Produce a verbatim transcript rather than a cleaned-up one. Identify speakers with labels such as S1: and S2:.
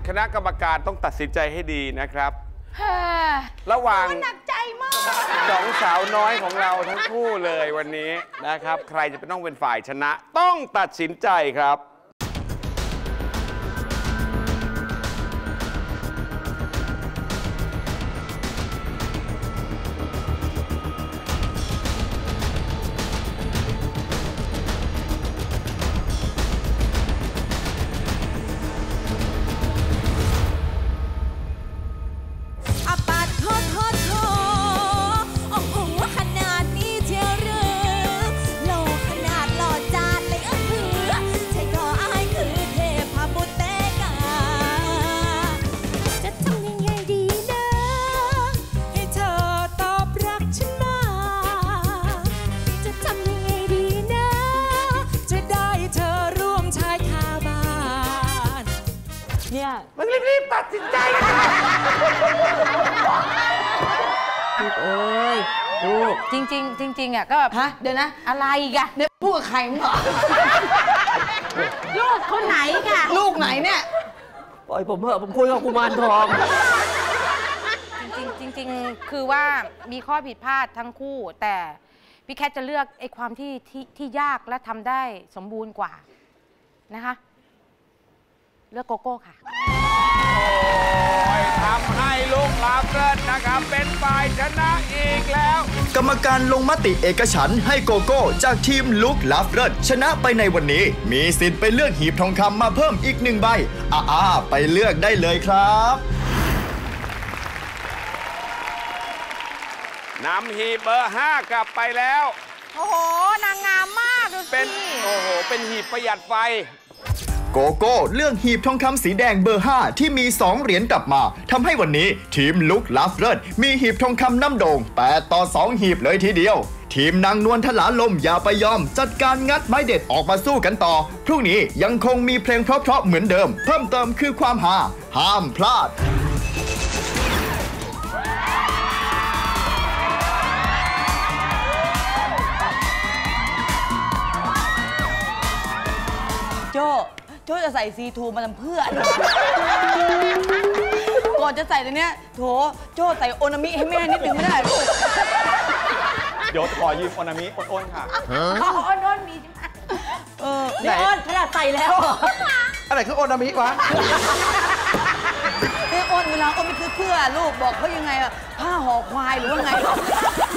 S1: คณะกรรมการต้องตัดสินใจให้ดีนะครับระหว่างหนักใจมากสองสาวน้อยของเราทั้งคู่เลยวันนี้นะครับใครจะเป็นต้องเป็นฝ่ายชนะต้องตัดสินใจครับ
S2: มันรีบๆตัดสินใจลูกเอ้ยลูกจริงๆจริงๆอ่ะก็แบบฮะเดี๋ยวนะอะไรอีกอะเดี๋ยวพูดกับใครมึงเหรอลูกคนไหนค่ะลูกไหนเนี่ยปล่อยผมเถอะผมคุยกับกุมารทอง
S3: จริงๆจริงๆคือว่ามีข้อผิดพลาดทั้งคู่แต่พี่แคทจะเลือกไอ้ความที่ที่ที่ยากและทำได้สมบูรณ์กว่านะคะเลือกโกโก้ค่ะ
S1: ทำให้ลูกลาเกินนะครับเป็นฝ่ายชนะอีกแล้ว
S4: กรรมการลงมติเอกฉันท์ให้โกโก้จากทีมลุกลาเกินชนะไปในวันนี้มีสิทธิ์ไปเลือกหีบทองคำมาเพิ่มอีกหนึ่งใบอ่าไปเลือกได้เลยครับ
S1: นำหีบเบอร์ห้ากลับไปแล้ว
S3: โอ้โหนางงามมากดูสิ
S1: เป็นโอ้โหเป็นหีบประหยัดไฟ
S4: โกโก้เลือกหีบทองคำสีแดงเบอร์ห้าที่มีสองเหรียญกลับมาทำให้วันนี้ทีมลุกลาฟเลิศมีหีบทองคำน้ำโด่งแปดต่อสองหีบเลยทีเดียวทีมนางนวลทลาลมอย่าไปยอมจัดการงัดไม้เด็ดออกมาสู้กันต่อพรุ่งนี้ยังคงมีเพลงเพราะๆเหมือนเดิมเพิ่มเติมคือความฮาห้ามพลาด
S2: โจโจจะใส่ซีทูมาทำเพื่อก่อนจะใส่ตัวเนี้ยโถโจใส่โอนามิให้แม่นิดนึงไม่ได้ลูก
S5: เดี๋ยวขอยืมโอนามิอ้นๆค่ะ
S3: อ๋ออ้นๆมีใช่ไหม
S2: เออนี่อ้นขนาดใส่แล้ว
S5: อะไรคือโอนามิวะ
S2: นี่อ้นเวลาอ้นไม่ซื้อเพื่อลูกบอกเขายังไงอะผ้าห่อควายหรือว่าไง